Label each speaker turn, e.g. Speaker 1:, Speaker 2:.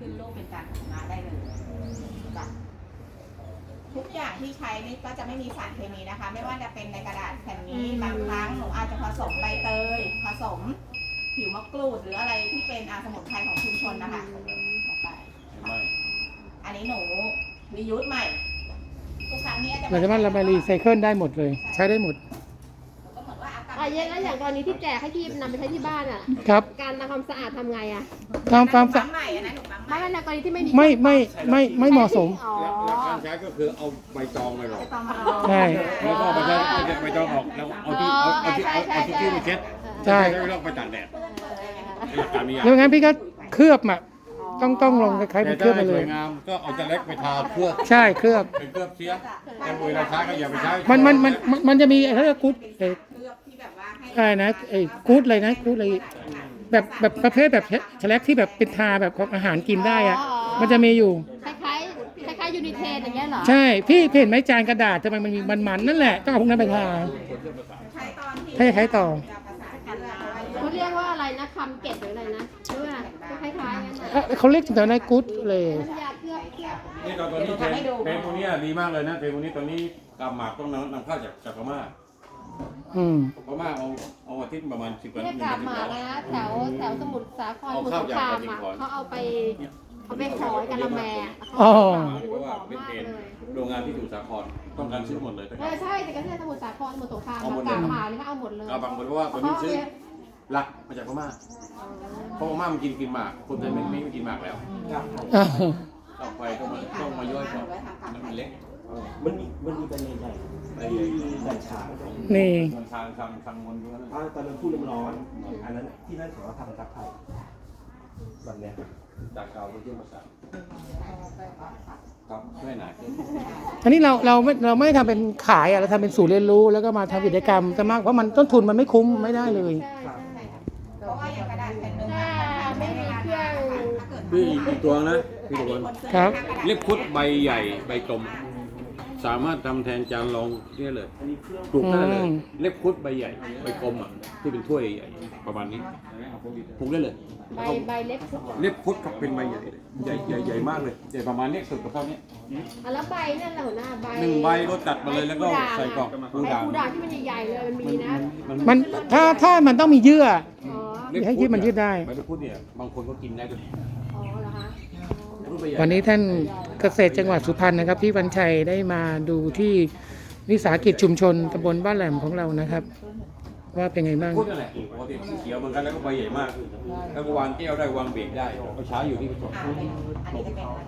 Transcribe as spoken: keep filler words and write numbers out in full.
Speaker 1: นรูปเป็นการพัฒนาได้เลยจ้ะทุกอย่างที่ใช้นี่ก็จะไม่มีสารเคมีนะคะไม่ว่าจะเป็นในกระดาษแผ่นนี้บางครั้งหนูอาจจะผสมใบเตยผสมผิวมะกรูดหรืออะไรที่เป็นอาสมุนไพรของชุมชนนะคะลงไปอันนี้หนูรียูสใหม่ทุกครั้งนี้จะ
Speaker 2: เราจะมันเราไปรีไซเคิลได้หมดเลยใช้ได้หมด
Speaker 1: ก็เหมือนว่าอากาศ
Speaker 3: อ่ะเย็นแล้วอย่างตอนนี้ที่แจกให้พี่นำไปใช้ที่บ้านอ่ะ
Speaker 2: ครับ
Speaker 3: การทำความสะอาดทำไงอ่ะ
Speaker 2: ตามตาม
Speaker 1: ปั๊มใหม่อันนั้นหนูปั๊มใหม่
Speaker 3: ไม่ในกรณีที่ไม่มี
Speaker 2: ไม่ไม่ไม่ไม่เหมาะสม
Speaker 3: อ๋อ
Speaker 4: หลักการใช้ก็คือเอาใบตองไปหรอก
Speaker 2: ใช่
Speaker 4: แล้วก็เอาไปใช้ใบตองออกแล้วเอาที่เอาเอาที่เอาเอาที่ที่ไปเช็ด
Speaker 2: ใช่
Speaker 4: แล้วก็ไปตากแดดหลักการนี้อย่าง
Speaker 2: แล้วงั้นพี่ก็เคลือบอ่ะต้องต้องลงคล้ายๆ
Speaker 4: แต่
Speaker 2: เป็นเคลื
Speaker 4: ถ้า
Speaker 2: อบไป
Speaker 4: ให้
Speaker 2: เล
Speaker 4: สวย ยงามก็เอาจะเล็กไปทาเคลือบ
Speaker 2: ใช่เคลือบ
Speaker 4: เป็นเคลือบเสียแต่เวลาใช้ก็อย่าไปใช้
Speaker 2: มันมันมันมันมันจะมีเขาเรียกกู๊ดเอ่อ
Speaker 1: เคลือบที่แบบว่าให้
Speaker 2: อะไรนะไอ้กู๊ดอะไรนะกู๊ดอะไรแบบแบบประเภทแบบแฉลกที่แบบเป็นทาแบบของอาหารกินได้อ่ะมันจะมีอยู่
Speaker 3: คล้ายๆคล้ายๆยูนิเทนอย่างเงี้ยเหรอ
Speaker 2: ใช่พี่เห็นไหมจานกระดาษทำไมมันมีมันๆนั่นแหละต้องเอาพวกนั้นไปทา
Speaker 1: ใช้ตอนที่
Speaker 2: ให้ใช้ต่อ
Speaker 1: จะประสานกันเลย
Speaker 3: เขาเรียกว่าอะไรนะคำเก็บหรืออะไรนะหรือว่าคล้ายๆงั้น
Speaker 2: เอ่อเขาเรียกแต่ในกู๊ดเลย
Speaker 3: น้ำยาเคลือบเคลือบ
Speaker 4: นี่ตอนนี้เพลงเพลงพวกนี้ดีมากเลยนะเพลงพวกนี้ตอนนี้กำหมากต้องนำนำเข้าจากจากพม่า
Speaker 2: อืม
Speaker 4: พม่าเอาเอาอาทิตย์ประมาณสิบวัน
Speaker 3: เรียกกาบหมากนะแถวแถวสมุทรสาครสมุทรสงครามอ่ะเขาเอาไปเขาไปขอยกะละแม
Speaker 2: อ๋อ
Speaker 4: เพราะว่าเป็นเพลงโรงงานที่อยู่สาครต้องการซื้อหมดเลยนะค
Speaker 3: เอ
Speaker 4: รับ
Speaker 3: อใช่แต่ก็ใช่สมุทรสาครสมุทรสงครามกาบหมากนี่เขาเอาหมดเลย
Speaker 4: กาบางคนเพราะว่าตัวนี้ซื้อหลักมาจากพม่าเพราะพม่ามันกินกินหมากคนไทยไม่ไม่ไม่กินหมากแล้ว
Speaker 2: อ่า
Speaker 4: ต่อไปต้องมาต้องมาย่อยก่อนมันเล็ก
Speaker 5: มันมีมันมีประเด็นใหญ่
Speaker 4: ไอ้
Speaker 5: ที่ดันฉาง
Speaker 2: นี่
Speaker 4: มันทางทางทางมนด้วยนะ
Speaker 5: อ่าตอนนั้นพูดน้ำร้อน อันนั้นที่นั่นเขาก็ทำซักไทยแบบเนี้ย
Speaker 4: จากเก่าไปที่มาสั่ครับไม่หนา
Speaker 2: อันนี้เราเราไม่เราไม่ได้ทำเป็นขายอะเราทำเป็นศูนย์เรียนรู้แล้วก็มาทำกิจกรรมจะมากเพราะมันต้นทุนมันไม่คุ้มไม่ได้เลย
Speaker 3: ใช่ใช่
Speaker 1: เพราะว่าอย่างกระดาษแผ่นหนึ่ง
Speaker 3: ถ้าไม่มีเครื่อง
Speaker 1: ถ้าเกิด
Speaker 4: พี่อีกตัวนะพี่ตัวนึง
Speaker 2: ครับ
Speaker 4: เล็บคุดใบใหญ่ใบกลม สามารถทำแทนจานรองได้เลยปลูกได้เลย
Speaker 2: อืม
Speaker 4: เล็บคุดใบใหญ่ใบกลมอ่ะที่เป็นถ้วยใหญ่ประมาณนี้ปลูกได้เลย
Speaker 3: ใบใบเล็บสุด
Speaker 4: เล็บคุดกับเป็นใบใหญ่เลยใหญ่ใหญ่ใหญ่มากเลยใหญ่ประมาณเล็กสุดกับเท่านี้
Speaker 3: อ่ะแล้วใบนั่นแหละหัวหน้าใบ
Speaker 4: หนึ่งใบก็ตัดมาเลยแล้วก็ใส่กล่อง
Speaker 3: ใบ
Speaker 4: กูด่าง
Speaker 3: กูด่างที่มันใหญ่ๆเลยมันมีนะ
Speaker 2: มันถ้าถ้ามันต้องมีเยื่อ
Speaker 3: อ๋อ
Speaker 2: ให้ยืดมันยืดได้
Speaker 4: ใบเล็บคุดเนี่ยบางคนก็กินได้ด้วย
Speaker 3: อ๋อเหรอคะ
Speaker 2: วันนี้ท่านเกษตรจังหวัดสุพรรณนะครับพี่วันชัยได้มาดูที่วิสาหกิจชุมชนตำบลบ้านแหลมของเรานะครับ ว่าเป็นไงบ้าง
Speaker 4: คุดนั่นแหละปกติสีเขียวเหมือนกันแล้วก็ใบใหญ่มาก แล้วก็วางแก้วได้วางเบรกได้ก็ใช้อยู่ที่กระจก
Speaker 1: อันนี้จะเป็น